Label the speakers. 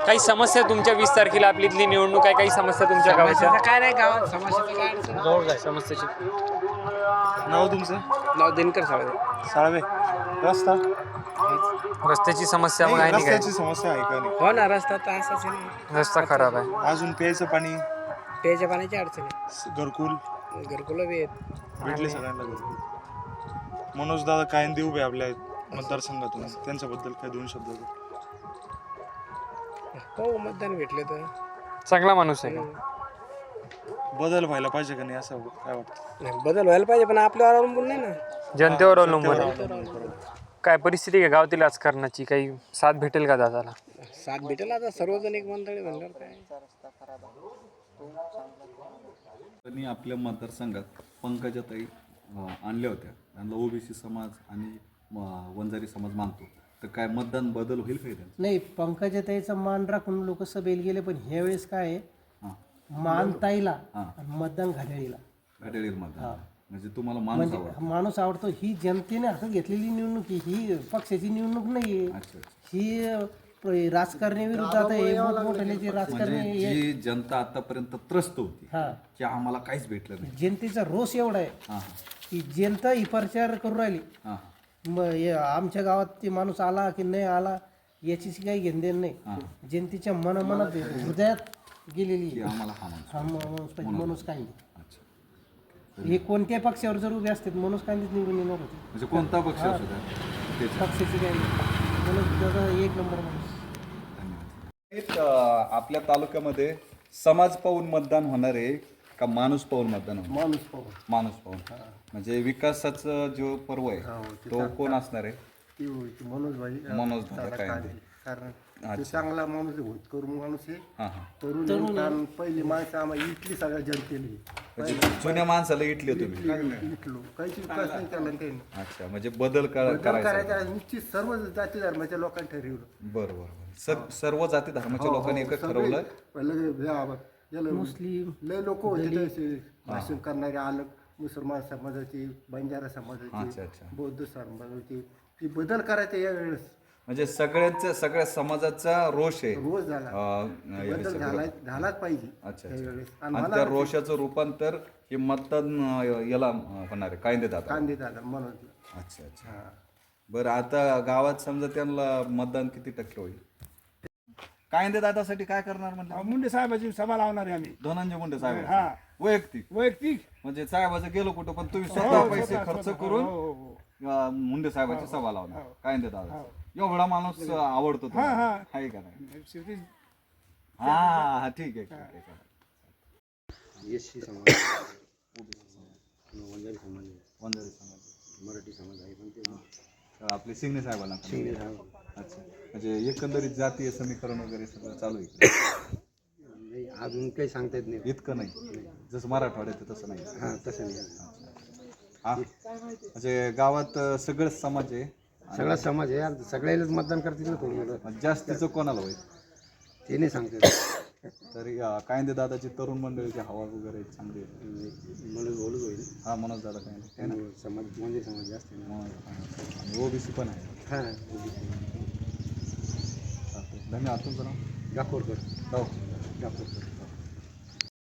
Speaker 1: काही समस्या तुमच्या 20 तारखेला आपली इथली निवडणूक आहे, काही समस्या तुमच्या गावाच्या?
Speaker 2: काय नाही गावात समस्याचं काय अडचण
Speaker 1: जवळ काय समस्याची?
Speaker 3: नाव तुमचं?
Speaker 2: नाव दिनकर साळवे.
Speaker 3: साळवे. रस्ता
Speaker 1: रस्त्याची समस्या मग आहे
Speaker 3: नाही,
Speaker 1: नाही काय?
Speaker 3: रस्त्याची समस्या आहे का नाही?
Speaker 2: हो ना, रस्ता तर असाच आहे ना.
Speaker 1: रस्ता खराब आहे.
Speaker 3: अजून प्यायचं पाणी,
Speaker 2: प्यायच्या पाण्याची अडचण आहे.
Speaker 3: घरकुल
Speaker 2: घरकुलं बी आहेत.
Speaker 3: भेटले सगळ्यांना घरकुल. मनोज दादा कायंदे उभे आपल्या मतदारसंघातून, त्यांच्याबद्दल काय दोन शब्द?
Speaker 2: हो, मतदान भेटले तर
Speaker 1: चांगला माणूस आहे का?
Speaker 3: बदल व्हायला पाहिजे का नाही असं काय वाटतं?
Speaker 2: नाही, बदल व्हायला पाहिजे पण आपल्यावर अवलंबून नाही ना.
Speaker 1: जनतेवर अवलंबून आहे. काय परिस्थिती आहे गावातील राजकारणाची? काही साथ भेटेल का दादाला?
Speaker 2: साथ भेटेल आता सर्वजण एक मंडळी म्हणल्यावर काय.
Speaker 4: त्यांनी आपल्या मतदारसंघात पंकजाताई आणल्या होत्या. त्यांना ओबीसी समाज आणि वंजारी समाज मानतो, तर काय मतदान बदल होईल काही त्यांचं?
Speaker 5: नाही, पंकजाताईचा मान राखून लोक सभेला गेले, पण ह्या वेळेस काय आहे,
Speaker 4: हां,
Speaker 5: मान ताईला
Speaker 4: हां.
Speaker 5: आणि मतदान घड्याळीला.
Speaker 4: घड्याळील मतदान म्हणजे तुम्हाला माणूस
Speaker 5: म्हणजे
Speaker 4: आवडतो?
Speaker 5: माणूस आवडतो. ही जनतेने हातात घेतलेली निवडणूक आहे, ही पक्षाची निवडणूक नाहीये.
Speaker 4: अच्छा अच्छा.
Speaker 5: ही राजकारणी विरुद्ध आता हे मोठमोठ्याचे राजकारणी
Speaker 4: म्हणजे जी जनता आतापर्यंत त्रस्त होती
Speaker 5: हा,
Speaker 4: की आम्हाला काहीच भेटलं नाही.
Speaker 5: जनतेचा रोष एवढा आहे
Speaker 4: हां
Speaker 5: की जनता ही प्रचार करू राहिली.
Speaker 4: हां
Speaker 5: मग आमच्या गावात ते माणूस आला की नाही आला याची काही घेणदेण नाही. जनतेच्या मनात हृदयात गेलेली
Speaker 4: की
Speaker 5: आहे.
Speaker 4: आम्हाला हा माणूस.
Speaker 5: हा माणूस पाहिजे, माणूस काही नाही.
Speaker 4: अच्छा.
Speaker 5: हे कोणत्या पक्षावर जर उभे असते माणूस कांदीच निवडून येणार होते.
Speaker 4: म्हणजे कोणता पक्ष असू द्या त्याचा.
Speaker 5: पक्षाची काही नाही, माणूस दादा एक नंबर माणूस.
Speaker 4: धन्यवाद. आपल्या तालुक्यामध्ये समाज पाहून मतदान होणार आहे का माणूस पाहून मतदान होणार?
Speaker 5: माणूस पाहून.
Speaker 4: माणूस पाहून. म्हणजे विकासाचा जो पर्व आहे तो कोण असणार आहे?
Speaker 5: मनोज भाई
Speaker 4: मनोज दादा कायंदे.
Speaker 5: कारण ते चांगला माणूस आहे, होतकरू माणूस आहे.
Speaker 4: हां हां.
Speaker 5: तरुण पहिली माणसं आम्हाला इथली सगळ्या जनतेली
Speaker 4: म्हणजे जुन्या माणसाला इटले तुम्ही?
Speaker 5: इथलो काहीच विकास नाही केला त्यांनी.
Speaker 4: अच्छा, म्हणजे बदल करायचा.
Speaker 5: करायचा निश्चित सर्व जाती धर्माच्या लोकांनी ठरवलं.
Speaker 4: बरं बरं. सर्व जाती धर्माच्या लोकांनी एकच ठरवलं.
Speaker 5: मुस्लिम
Speaker 6: लय लोक होते तसे भाषण करणारे आलं, मुसलमान समाजाचे, बंजारा
Speaker 4: अच्छा,
Speaker 6: समाजाचे,
Speaker 4: अच्छा.
Speaker 6: बौद्ध समाजाचे, ती बदल करायचा यावेळेस
Speaker 4: म्हणजे सगळ्या समाजाचा रोष आहे.
Speaker 6: रोज झाला,
Speaker 4: या
Speaker 6: बदल
Speaker 4: विषयावर.
Speaker 6: झालाच पाहिजे
Speaker 4: अच्छा
Speaker 6: त्यावेळेस.
Speaker 4: अच्छा.
Speaker 6: आणि
Speaker 4: आणि
Speaker 6: मला
Speaker 4: त्या रोषाचं रूपांतर हे मतदान याला होणार आहे कायंदे दादा.
Speaker 6: कांदे दादा म्हणून
Speaker 4: अच्छा अच्छा. बरं, आता गावात समजा त्यांना मतदान किती टक्के होईल? कायंदे दादासाठी काय करणार म्हणलं?
Speaker 7: मुंडे साहेबाची सभा लावणार आहे आम्ही.
Speaker 4: धनंजय मुंडे साहेब
Speaker 7: हा.
Speaker 4: वैयक्तिक
Speaker 7: वैयक्तिक
Speaker 4: म्हणजे साहेबाचं गेलो कुठं पण तुम्ही स्वतः पैसे खर्च करून
Speaker 7: हो.
Speaker 4: मुंडे साहेबाची सभा लावणार कायंदे दादा. एवढा माणूस आवडतो तुम्हाला?
Speaker 7: हा.
Speaker 4: आहे का नाही?
Speaker 7: शेवटी
Speaker 4: हा हा, ठीक आहे ठीक आहे.
Speaker 2: एससी समाज, वंजारी समाज,
Speaker 4: वंजारी समाज,
Speaker 2: मराठी समाज आहे पण ते
Speaker 4: आपले सिंगणे साहेबांना.
Speaker 2: शिंदे साहेब.
Speaker 4: अच्छा, म्हणजे एकंदरीत जातीय समीकरण वगैरे सगळं चालू आहे?
Speaker 2: नाही, अजून काही सांगता येत नाही.
Speaker 4: इतकं नाही जसं मराठवाड्यात तसं नाही.
Speaker 2: हां, तसं नाही.
Speaker 4: हा, म्हणजे गावात सगळेच समाज आहे.
Speaker 2: सगळा समाज आहे, आता सगळ्यालाच मतदान करतील ना थोडं.
Speaker 4: मग जास्तीचं कोणाला होईल?
Speaker 2: ते नाही सांगता येत.
Speaker 4: तरी कायंदे दादाची तरुण मंडळीची हवा वगैरे चांगली आहे.
Speaker 2: म्हणून बोलूच होईल.
Speaker 4: हा, मनोज दादा कायंदे आहे ना.
Speaker 2: समाज म्हणजे समाज जास्त आहे ना.
Speaker 4: आणि ओबीसी पण आहे.
Speaker 2: हां,
Speaker 4: धन्यवाद. तुमचं नाव?
Speaker 2: गाफोरकर.
Speaker 4: हो.
Speaker 2: गाफोरकर.